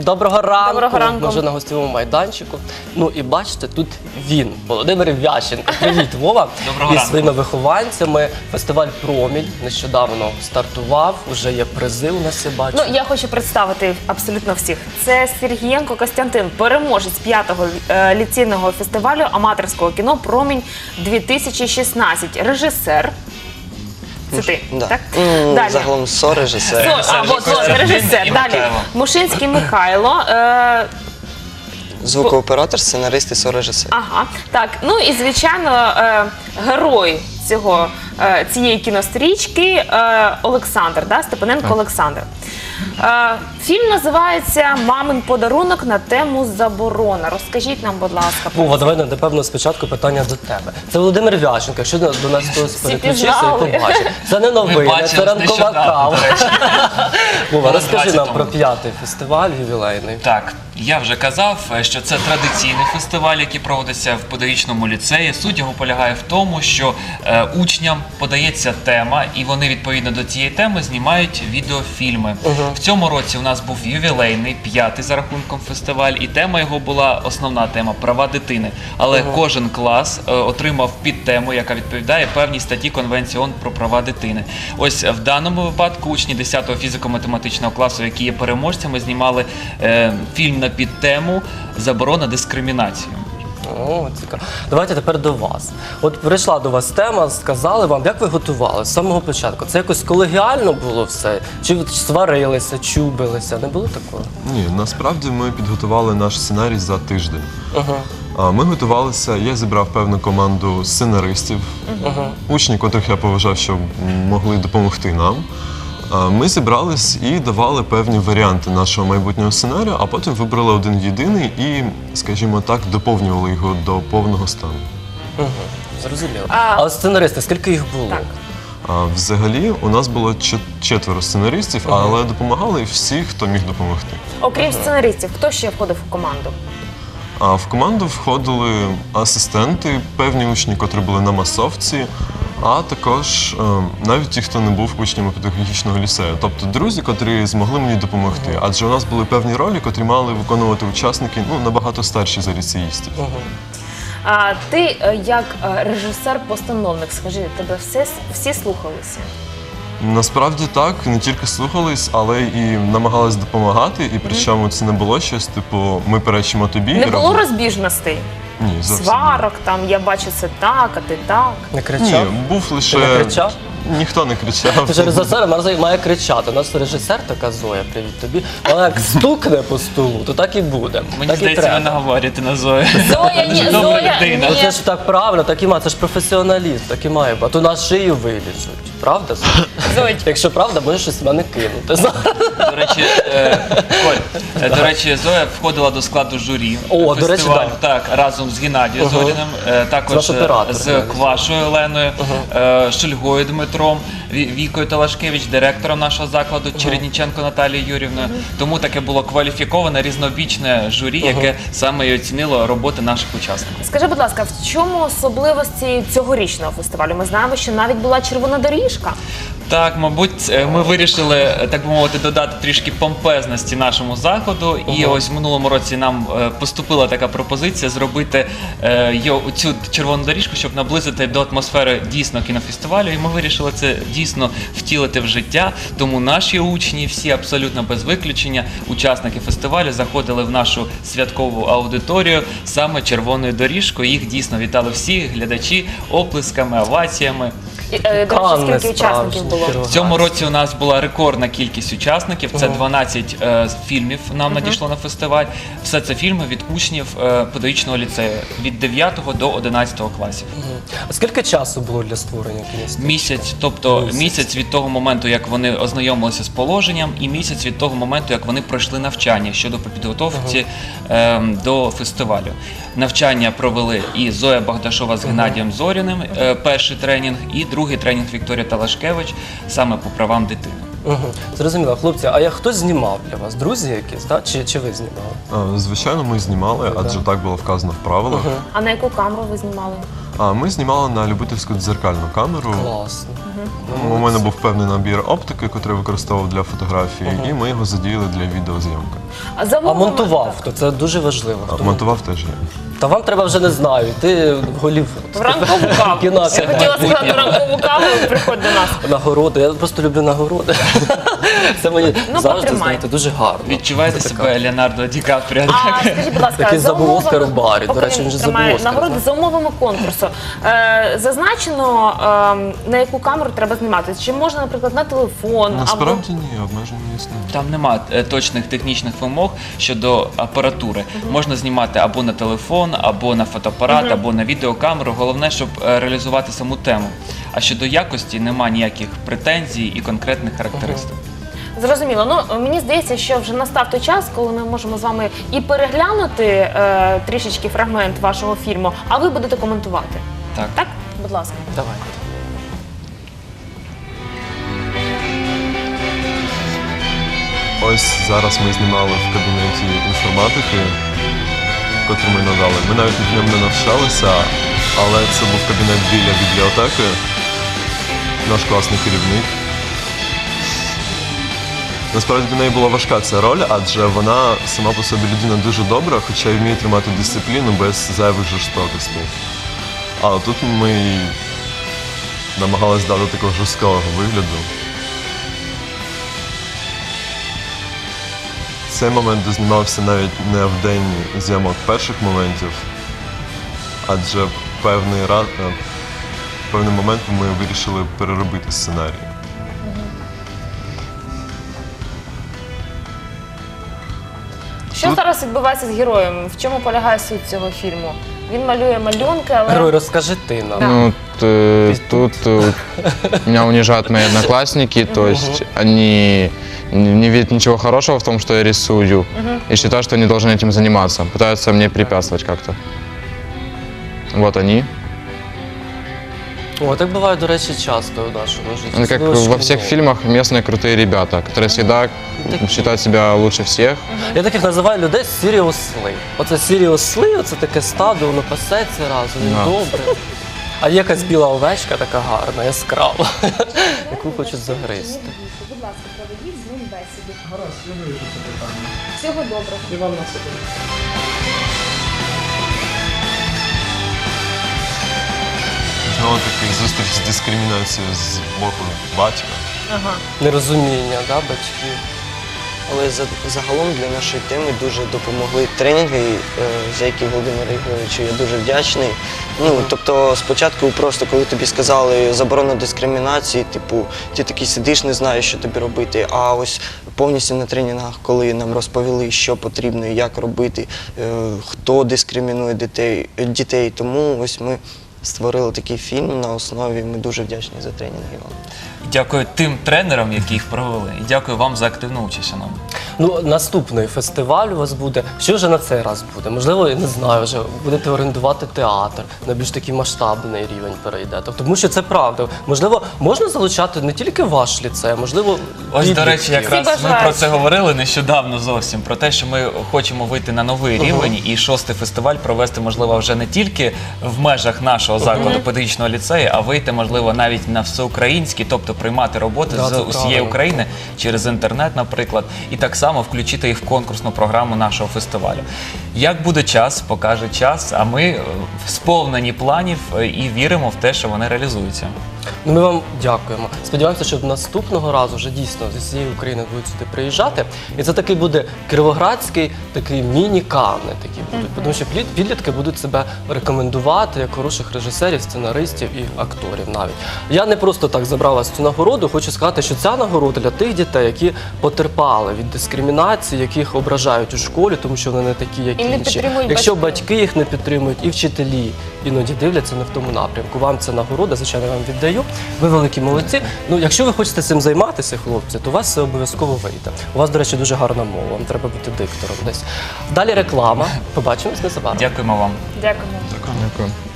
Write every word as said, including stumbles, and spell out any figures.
Доброго ранку. Доброго ранку. Ми вже на гостєвому майданчику. Ну і бачите, тут він, Володимир Вященко. Привіт, Вова. Доброго І ранку. своїми вихованцями. Фестиваль «Промінь» нещодавно стартував, вже є призи у нас, я бачу. Ну, я хочу представити абсолютно всіх. Це Сергієнко Костянтин, переможець п'ятого е, ліцейного фестивалю аматорського кіно «Промінь дві тисячі шістнадцять». Режисер. Це ти, Да. так? М, Далі. Загалом сорежисер. Со- а, вот, вот, режисер. І Далі. Михайло. Мушинський Михайло. Е, Звукооператор, сценарист і сорежисер. Ага, так. Ну і звичайно, е, герой цього е, цієї кінострічки е, Олександр, да? Степаненко Олександр. Е, фільм називається «Мамин подарунок» на тему заборона. Розкажіть нам, будь ласка, про Вова, давай, напевно, спочатку питання до тебе. Це Володимир Вященко, якщо до до нас хтось переключився пізнали. і побачив. Це не Ми новина, бачили це ранкова нещодавно, кава. до речі. Вова, Було розкажи нам двадцять про тому. п'ятий фестиваль ювілейний. Так, я вже казав, що це традиційний фестиваль, який проводиться в педагогічному ліцеї. Суть його полягає в тому, що е, учням подається тема, і вони відповідно до цієї теми знімають відеофільми. В цьому році у нас був ювілейний, п'ятий за рахунком фестиваль, і тема його була основна тема права дитини. Але кожен клас е, отримав підтему, яка відповідає певній статті Конвенції ООН про права дитини. Ось в даному випадку учні десятого фізико-математичного класу, які є переможцями, знімали е, фільм на підтему «Заборона дискримінації». О, цікаво. Давайте тепер до вас. От прийшла до вас тема, сказали вам, як ви готували з самого початку? Це якось колегіально було все? Чи ви сварилися, чубилися? Не було такого? Ні, насправді ми підготували наш сценарій за тиждень. Ага. А, Ми готувалися, я зібрав певну команду сценаристів, учнів, котрих я поважав, що могли допомогти нам. А, Ми зібрались і давали певні варіанти нашого майбутнього сценарію, а потім вибрали один єдиний і, скажімо так, доповнювали його до повного стану. Угу. Зрозуміло. А- А от сценаристи, скільки їх було? Так. А, Взагалі у нас було чет- четверо сценаристів, але допомагали всі, хто міг допомогти. окрім сценаристів, хто ще входив у команду? А в команду входили асистенти, певні учні, котрі були на масовці, а також е, навіть ті, хто не був учнями педагогічного ліцею. Тобто друзі, котрі змогли мені допомогти. Адже у нас були певні ролі, котрі мали виконувати учасники ну, набагато старші за ліцеїстів. А, ти, е, як е, режисер-постановник, скажи, тебе все, всі слухалися? Насправді так, не тільки слухались, але і намагались допомагати. І причому це не було щось, типу, ми перечимо тобі. Не і було роби. розбіжностей? Ні, зовсім ні. Сварок, там, я бачу це так, а ти так. Не Ні, кричав? був лише... Ти не кричав? Ніхто не кричав. Ти ж режисер має- має кричати. У нас режисер така Зоя, привіт тобі. Вона як стукне по столу, то так і буде. Мені так і здається, ви треба. наговорюєте на Зою. Зоя, ні, Дуже добра Зоя, людина. Ну, ні. це ж так правильно, так і має. Це ж професіоналіст, так і має. А то на шию вилізуть. Правда? Зоя? Зоя. Якщо правда, можеш щось в мене кинути. До речі, е, Коль, е, до речі, Зоя входила до складу журі О, до речі, фестивалю, да. так, разом з Геннадієм Ага. Зоріним, е, також Наш оператор, з Геннадій. Квашою Оленою, е, Шульгою Дмитром, Ві- Вікою Талашкевич, директором нашого закладу, Чередніченко Наталією Юрівною. Тому таке було кваліфіковане різнобічне журі, яке саме і оцінило роботи наших учасників. Скажи, будь ласка, в чому особливості цьогорічного фестивалю? Ми знаємо, що навіть була червона доріжка. Так, мабуть, е, ми вирішили, е, так би мовити, додати трішки помпезності нашому заходу. І ось в минулому році нам е, поступила така пропозиція зробити е, йо- цю червону доріжку, щоб наблизити до атмосфери дійсно кінофестивалю. І ми вирішили це дійсно втілити в життя. Тому наші учні, всі абсолютно без виключення, учасники фестивалю, заходили в нашу святкову аудиторію саме червоною доріжкою. Їх дійсно вітали всі глядачі оплесками, оваціями. І, е, До речі, Канни скільки учасників справжні, було? Кіровоград. В цьому році у нас була рекордна кількість учасників. Це дванадцять е, фільмів нам надійшло на фестиваль. Все це фільми від учнів е, педагогічного ліцею від дев'ятого до одинадцятого класів. А скільки часу було для створення кінострічки? Місяць, тобто Місяць. місяць від того моменту, як вони ознайомилися з положенням, і місяць від того моменту, як вони пройшли навчання щодо підготовки е, до фестивалю. Навчання провели і Зоя Богдашова з Геннадієм Зоріним, е, перший тренінг, і другий тренінг Вікторія Талашкевич саме по правам дитини. Угу. Зрозуміло. Хлопці, а як хтось знімав для вас? Друзі якісь, так? Чи, чи ви знімали? А, Звичайно, ми знімали, адже так було вказано в правилах. А на яку камеру ви знімали? А ми знімали на любительську дзеркальну камеру. Класно. У мене був певний набір оптики, який я використовував для фотографії, і ми його задіяли для відеозйомки. А, за А умовами- монтував хто? Це дуже важливо. А Хто монтував теж я. Та вам треба вже не знаю, йти в Голлівуд. В ранкову каву. Кіно Я це хотіла сказати ранкову каву, приходь до нас. Нагороди. Я просто люблю нагороди. Це мені Ну, завжди, потримай. знаєте, дуже гарно. Відчуваєте Це себе Леонардо Ді Капріо? А скажіть, будь ласка, Такий за забув умовами- Оскар у барі. До поки речі, він він же тримає забув Оскар, нагороди, так. за умовами конкурсу. Е, зазначено, е, на яку камеру треба знімати. Чи можна, наприклад, на телефон? Насправді ні, обмежень не існує. Там нема е, точних технічних вимог щодо апаратури. Можна знімати або на телефон, або на фотоапарат, або на відеокамеру. Головне, щоб е, реалізувати саму тему. А щодо якості нема ніяких претензій і конкретних характеристик. Зрозуміло. Ну мені здається, що вже настав той час, коли ми можемо з вами і переглянути е, трішечки фрагмент вашого фільму, а ви будете коментувати. Так. Так, будь ласка. Давайте. Ось зараз ми знімали в кабінеті інформатики, котрий ми надали. Ми навіть в ньому не навчалися, але це був кабінет біля бібліотеки, наш класний керівник. Насправді для неї була важка ця роль, адже вона сама по собі людина дуже добра, хоча й вміє тримати дисципліну без зайвих жорстокостей. А тут ми намагалися дати такого жорсткого вигляду. Цей момент дознімався навіть не в день зйомок перших моментів, адже певний, раз, е, певний момент ми вирішили переробити сценарій. Що зараз відбувається з героєм? В чому полягає суть цього фільму? Він малює малюнки, але Герой, розкажи ти нам. Да. Ну, т- тут э, меня унижают мои одноклассники, то есть они не не видят ничего хорошего в том, что я рисую, и считают, что они должны этим заниматься, пытаются мне препятствовать как-то. Вот они. О, так буває, до речі, часто у нашому житті. Ну, как Особливо во всех шкільному. фильмах местные крутые ребята, которые всегда считают себя лучше всех. Я таких називаю людей сіріосли. Оце сіріосли, оце таке стадо, воно пасеться разом, Да. добре. А є якась біла овечка така гарна, яскрава, яку хочуть загризти. будь ласка, проведіть з ним бесіду. Гаразд, я вирішу це питання. Всього доброго. І вам на себе. Знову таки зустріч з дискримінацією з боку батька. Ага. Нерозуміння, да, батьків. Але за- загалом для нашої теми дуже допомогли тренінги, е, за які Володимиру Ігоровичу я дуже вдячний. Ну, тобто, спочатку просто коли тобі сказали заборона дискримінації, типу, ти такий сидиш, не знаєш, що тобі робити. А ось повністю на тренінгах, коли нам розповіли, що потрібно і як робити, е, хто дискримінує дітей, дітей. Тому ось ми створили такий фільм на основі. Ми дуже вдячні за тренінги вам. Дякую тим тренерам, які їх провели, і дякую вам за активну участь, шановні. Ну, наступний фестиваль у вас буде. Що вже на цей раз буде? Можливо, я не знаю, вже будете орендувати театр, на більш такий масштабний рівень перейдете. Тому що це правда. Можливо, можна залучати не тільки ваш ліцей, а можливо, Ось, до речі, підлітків. якраз Всі ми про бажаючі. це говорили нещодавно зовсім, про те, що ми хочемо вийти на новий рівень і шостий фестиваль провести, можливо, вже не тільки в межах нашого закладу педагогічного ліцею, а вийти, можливо, навіть на всеукраїнський, тобто приймати роботи Да, з це усієї правильно. України через інтернет, наприклад, і так само включити їх в конкурсну програму нашого фестивалю. Як буде час, покаже час, а ми е, сповнені планів е, і віримо в те, що вони реалізуються. Ну, ми вам дякуємо. Сподіваємося, що наступного разу вже дійсно зі всієї України будуть сюди приїжджати. І це такий буде кіровоградський такий міні-кани такі будуть. Тому що плід- підлітки будуть себе рекомендувати як хороших режисерів, сценаристів і акторів навіть. Я не просто так забрав вас цю нагороду. Хочу сказати, що ця нагорода для тих дітей, які потерпали від дискримінації, яких ображають у школі, тому що вони не такі, як І не інші. підтримують Якщо батьки. батьки їх не підтримують, і вчителі іноді дивляться не в тому напрямку. Вам це нагорода, звичайно, я вам віддаю. Ви великі молодці. Ну, якщо ви хочете цим займатися, хлопці, то у вас це обов'язково вийде. У вас, до речі, дуже гарна мова. Вам треба бути диктором десь. Далі реклама. Побачимось незабаром. Дякуємо вам. Дякуємо. Дякую.